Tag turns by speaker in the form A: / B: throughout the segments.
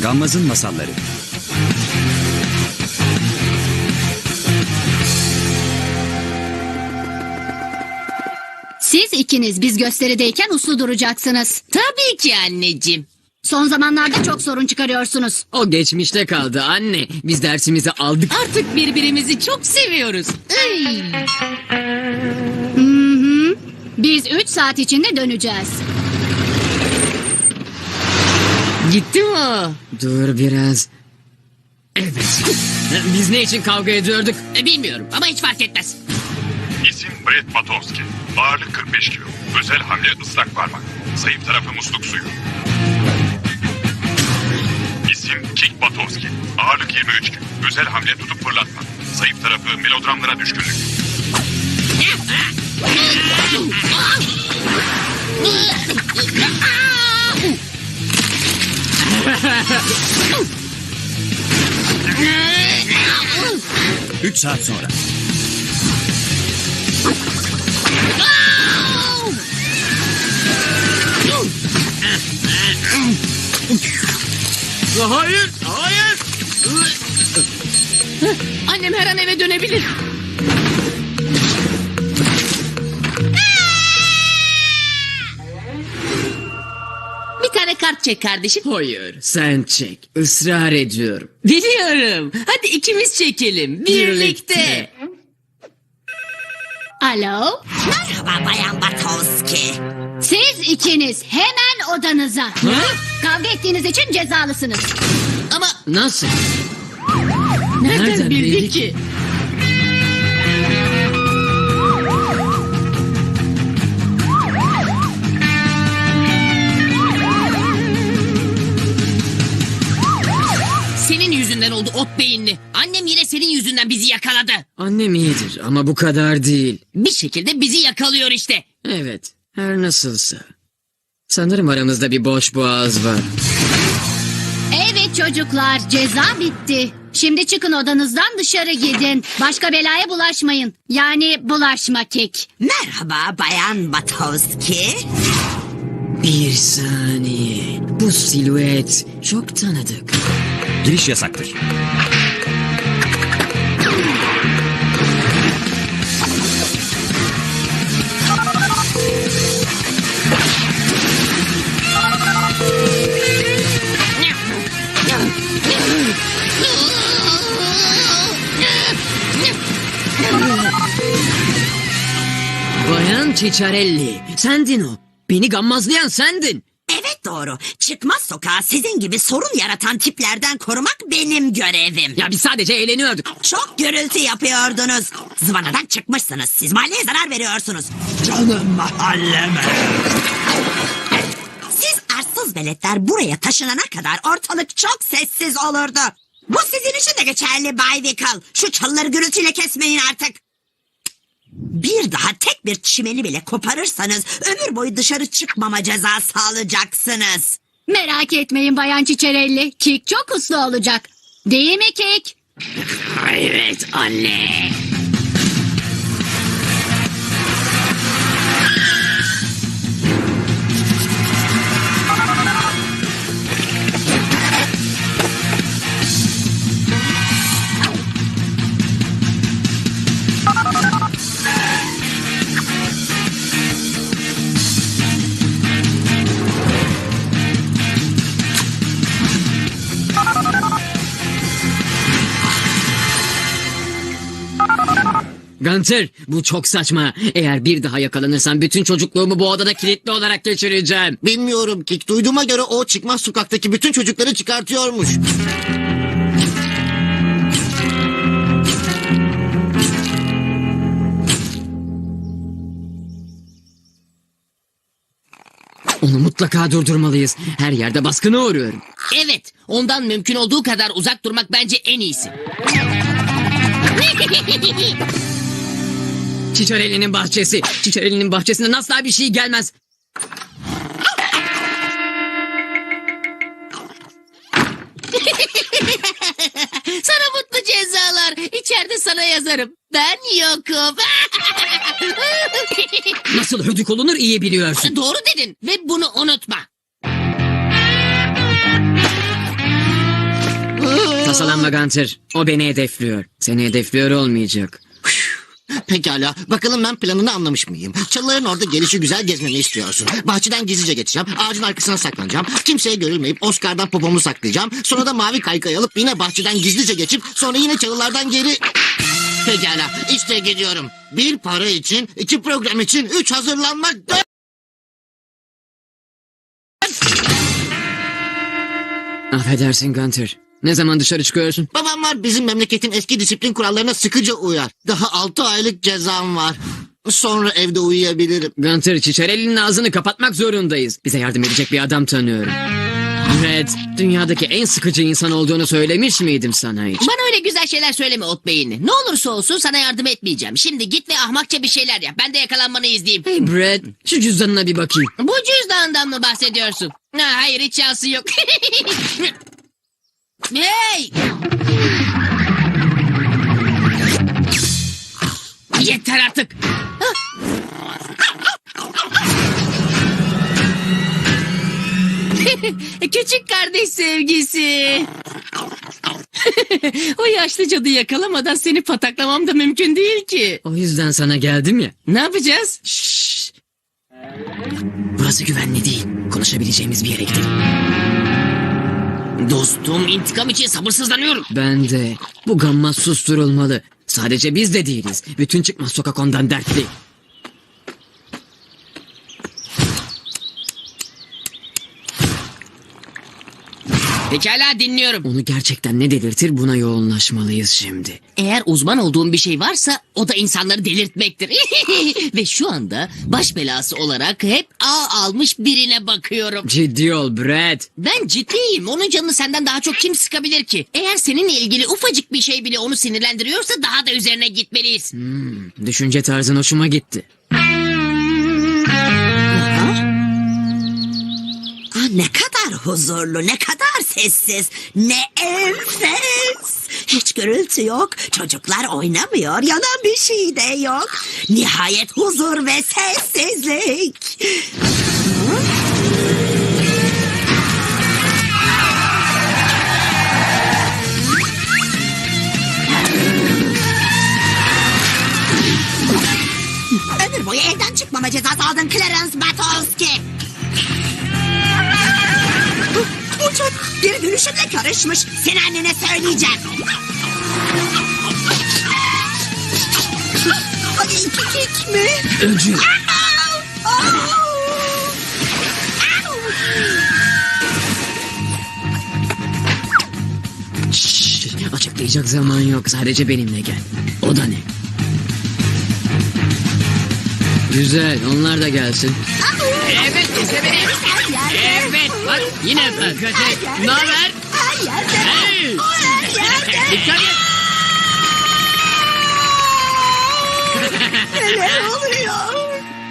A: Gammaz'ın Masalları.
B: Siz ikiniz biz gösterideyken uslu duracaksınız.
C: Tabii ki anneciğim.
B: Son zamanlarda çok sorun çıkarıyorsunuz.
D: O geçmişte kaldı anne. Biz dersimizi aldık.
C: Artık birbirimizi çok seviyoruz. Ay.
B: Biz 3 saat içinde döneceğiz.
C: Gitti mi o?
D: Dur biraz. Evet. Biz ne için kavga ediyorduk?
C: Bilmiyorum ama hiç fark etmez.
E: İsim Brett Matowski. Ağırlık 45 kilo. Özel hamle ıslak parmak. Zayıf tarafı musluk suyu. İsim Kick Matowski. Ağırlık 23 kilo. Özel hamle tutup fırlatma. Zayıf tarafı melodramlara düşkünlük.
A: Üç saat sonra.
D: Hayır, hayır.
C: Annem her an eve dönebilir. Bir tane kart çek kardeşim.
D: Hayır, sen çek. Israr ediyorum.
C: Biliyorum. Hadi ikimiz çekelim. Birlikte.
B: Alo?
F: Merhaba Bayan Batowski.
B: Siz ikiniz hemen odanıza. Kavga ettiğiniz için cezalısınız.
C: Ama
D: Nasıl?
C: nereden bildi ki? Senin yüzünden oldu ot beyinli. Annem yine senin yüzünden bizi yakaladı.
D: Annem iyidir ama bu kadar değil.
C: Bir şekilde bizi yakalıyor işte.
D: Evet, her nasılsa. Sanırım aramızda bir boş boğaz var.
B: Evet çocuklar, ceza bitti. Şimdi çıkın odanızdan dışarı gidin. Başka belaya bulaşmayın. Yani bulaşma kek.
F: Merhaba Bayan Batowski.
D: Bir saniye. Bu silüet çok tanıdık.
A: Giriş yasaktır.
D: Bayan Ciccarelli, sendin o. Beni gammazlayan sendin.
F: Evet doğru. Çıkmaz sokağı sizin gibi sorun yaratan tiplerden korumak benim görevim.
D: Ya biz sadece eğleniyorduk.
F: Çok gürültü yapıyordunuz. Zıvanadan çıkmışsınız. Siz mahalleye zarar veriyorsunuz. Canım mahalleme. Siz arsız veletler buraya taşınana kadar ortalık çok sessiz olurdu. Bu sizin için de geçerli Bay Wickle. Şu çalıları gürültüyle kesmeyin artık. Bir daha tek bir çimeni bile koparırsanız ömür boyu dışarı çıkmama cezası alacaksınız.
B: Merak etmeyin Bayan Çiçerelli. Kek çok uslu olacak. Değil mi Kek?
D: Evet anne. Gunter, bu çok saçma. Eğer bir daha yakalanırsan bütün çocukluğumu bu odada kilitli olarak geçireceğim.
G: Bilmiyorum ki. Duyduğuma göre o çıkmaz sokaktaki bütün çocukları çıkartıyormuş.
D: Onu mutlaka durdurmalıyız. Her yerde baskına uğruyorum.
C: Evet, ondan mümkün olduğu kadar uzak durmak bence en iyisi.
D: Ciccarelli'nin bahçesi. Ciccarelli'nin bahçesinden asla bir şey gelmez.
C: Sana mutlu cezalar. İçeride sana yazarım. Ben yokum.
D: Nasıl hödük olunur iyi biliyorsun.
C: Doğru dedin ve bunu unutma.
D: Tasalanma Gunter. O beni hedefliyor. Seni hedefliyor olmayacak.
G: Pekala. Bakalım ben planını anlamış mıyım? Çalıların orada gelişi güzel gezmemi istiyorsun. Bahçeden gizlice geçeceğim. Ağacın arkasına saklanacağım. Kimseye görülmeyip Oscar'dan popomu saklayacağım. Sonra da mavi kaykay alıp yine bahçeden gizlice geçip sonra yine çalılardan geri... Pekala. İşte gidiyorum. 1 para için, 2 program için, 3 hazırlanmak, 4...
D: Affedersin Gunter. Ne zaman dışarı çıkıyorsun?
G: Babam var, bizim memleketin eski disiplin kurallarına sıkıca uyar. Daha 6 aylık cezam var. Sonra evde uyuyabilirim.
D: Gunter, Çiçerelli'nin ağzını kapatmak zorundayız. Bize yardım edecek bir adam tanıyorum. Red, dünyadaki en sıkıcı insan olduğunu söylemiş miydim sana hiç?
C: Bana öyle güzel şeyler söyleme ot beyinli. Ne olursa olsun sana yardım etmeyeceğim. Şimdi git ve ahmakça bir şeyler yap. Ben de yakalanmanı izleyeyim.
D: Hey Brad, şu cüzdanına bir bakayım.
C: Bu cüzdandan mı bahsediyorsun? Ha, hayır hiç şansı yok. Hey! Yeter artık. Küçük kardeş sevgisi. O yaşlı cadıyı yakalamadan seni pataklamam da mümkün değil ki.
D: O yüzden sana geldim ya.
C: Ne yapacağız?
D: Burası güvenli değil. Konuşabileceğimiz bir yere gidelim.
C: Dostum, intikam için sabırsızlanıyorum.
D: Ben de. Bu gammaz susturulmalı. Sadece biz de değiliz. Bütün çıkmaz sokak ondan dertli.
C: Pekala dinliyorum.
D: Onu gerçekten ne delirtir, buna yoğunlaşmalıyız şimdi.
C: Eğer uzman olduğum bir şey varsa o da insanları delirtmektir. Ve şu anda baş belası olarak hep A almış birine bakıyorum.
D: Ciddi ol Brad.
C: Ben ciddiyim. Onun canını senden daha çok kim sıkabilir ki? Eğer seninle ilgili ufacık bir şey bile onu sinirlendiriyorsa daha da üzerine gitmeliyiz.
D: Düşünce tarzın hoşuma gitti.
F: Ne kadar huzurlu, ne kadar sessiz, ne enfes. Hiç gürültü yok, çocuklar oynamıyor, yanan bir şey de yok. Nihayet huzur ve sessizlik. Ömür boyu evden çıkmama cezası aldın Clarence Batowski. Bu çok geri dönüşümle karışmış. Seni annene söyleyeceğim. Ay, 2 kek mi?
D: Öcü. Şşş, açıklayacak zaman yok. Sadece benimle gel. O da ne? Güzel, onlar da gelsin.
C: Evet, izlemeyin. Evet, bak yine dikkat et. Ne haber?
F: Her yerde.
C: Hey! Dikkat et.
F: Neler oluyor?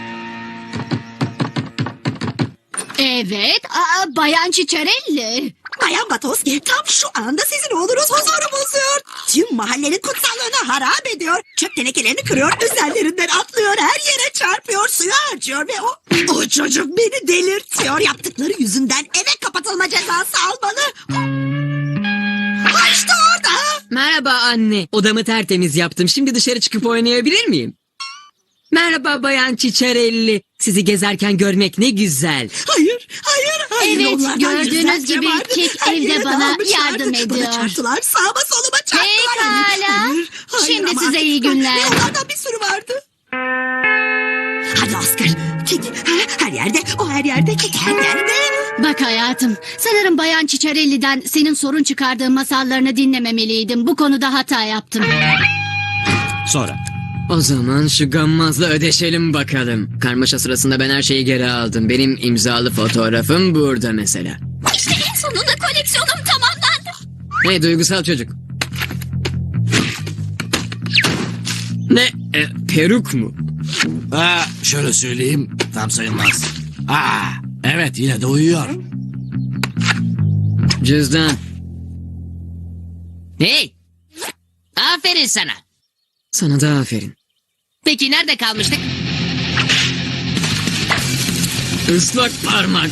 B: Evet, Bayan Çiçerelli.
F: Bayan Batowski tam şu anda sizin oğlunuz huzuru bozuyor. Tüm mahallenin kutsallığını harap ediyor. Çöp tenekelerini kırıyor, üzerlerinden atlıyor, her yere çarpıyor, suyu harcıyor ve o çocuk beni delirtiyor. Yaptıkları yüzünden eve kapatılma cezası almalı. Ha işte orada.
D: Merhaba anne. Odamı tertemiz yaptım. Şimdi dışarı çıkıp oynayabilir miyim? Merhaba Bayan Çiçerelli. Sizi gezerken görmek ne güzel.
F: Hayır.
B: Evet,
F: Onlardan
B: gördüğünüz
F: yüzlerce
B: gibi
F: vardı.
B: Kek
F: Her
B: evde
F: yere
B: bana
F: dağılmışlardı.
B: yardım ediyor.
F: Bana çarptılar, sağıma soluma çarptılar.
B: Pekala. Şimdi
F: ama
B: size iyi günler.
F: Onlardan bir sürü vardı. Hadi Oscar. Kek her yerde, o her yerde, kek her yerde.
B: Bak hayatım, sanırım Bayan Çiçerelli'den senin sorun çıkardığın masallarını dinlememeliydim. Bu konuda hata yaptım.
A: Sonra.
D: O zaman şu gammazla ödeşelim bakalım. Karmaşa sırasında ben her şeyi geri aldım. Benim imzalı fotoğrafım burada mesela.
B: İşte en sonunda koleksiyonum tamamlandı.
D: Hey duygusal çocuk. Ne? Peruk mu?
H: Şöyle söyleyeyim, tam sayılmaz. Evet, yine de uyuyor.
D: Cüzdan.
C: Hey! Aferin sana.
D: Sana da aferin.
C: Peki nerede kalmıştık?
D: Islak parmak.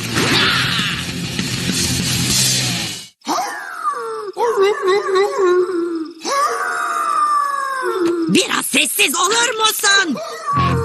F: Biraz sessiz olur musun?